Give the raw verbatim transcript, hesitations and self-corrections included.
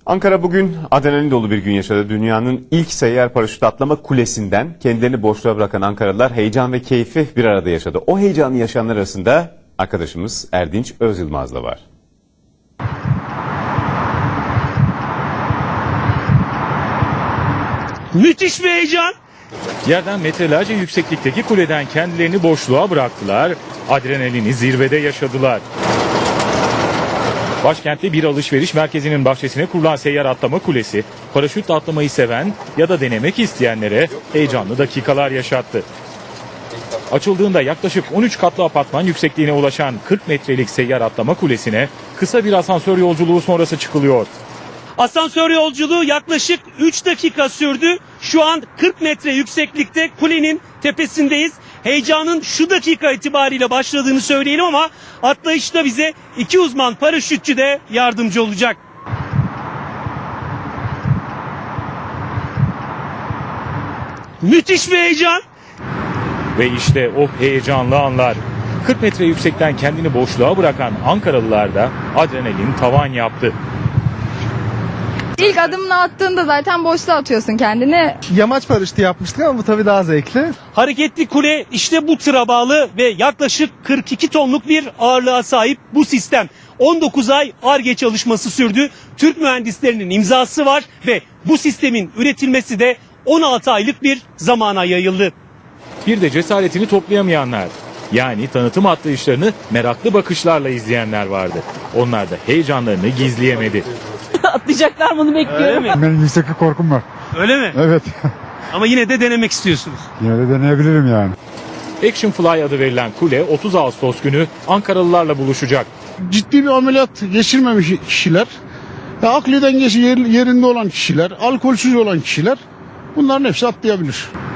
Ankara bugün adrenalin dolu bir gün yaşadı. Dünyanın ilk seyyar paraşüt atlama kulesinden kendilerini boşluğa bırakan Ankaralılar heyecan ve keyfi bir arada yaşadı. O heyecanı yaşayanlar arasında arkadaşımız Erdinç Özyılmaz da var. Müthiş bir heyecan. Yerden metrelerce yükseklikteki kuleden kendilerini boşluğa bıraktılar, adrenalini zirvede yaşadılar. Başkentte bir alışveriş merkezinin bahçesine kurulan seyyar atlama kulesi, paraşütle atlamayı seven ya da denemek isteyenlere heyecanlı dakikalar yaşattı. Açıldığında yaklaşık on üç katlı apartman yüksekliğine ulaşan kırk metrelik seyyar atlama kulesine kısa bir asansör yolculuğu sonrası çıkılıyor. Asansör yolculuğu yaklaşık üç dakika sürdü. Şu an kırk metre yükseklikte kulenin tepesindeyiz. Heyecanın şu dakika itibariyle başladığını söyleyelim ama atlayışta bize iki uzman paraşütçü de yardımcı olacak. Müthiş bir heyecan. Ve işte o heyecanlı anlar. kırk metre yüksekten kendini boşluğa bırakan Ankaralılar da adrenalin tavan yaptı. İlk adımını attığında zaten boşluğa atıyorsun kendini. Yamaç paraşütü yapmıştık ama bu tabii daha zevkli. Hareketli kule işte bu tıra bağlı ve yaklaşık kırk iki tonluk bir ağırlığa sahip bu sistem. on dokuz ay Ar-Ge çalışması sürdü. Türk mühendislerinin imzası var ve bu sistemin üretilmesi de on altı aylık bir zamana yayıldı. Bir de cesaretini toplayamayanlar. Yani tanıtım atlayışlarını meraklı bakışlarla izleyenler vardı. Onlar da heyecanlarını gizleyemedi. Atlayacaklar bunu bekliyorum. Öyle mi? Benim yükseklik korkum var. Öyle mi? Evet. Ama yine de denemek istiyorsunuz. Yine de deneyebilirim yani. Action Fly adı verilen kule otuz Ağustos günü Ankaralılarla buluşacak. Ciddi bir ameliyat geçirmemiş kişiler, ve akli dengesi yer- yerinde olan kişiler, alkolsüz olan kişiler bunların hepsi atlayabilir.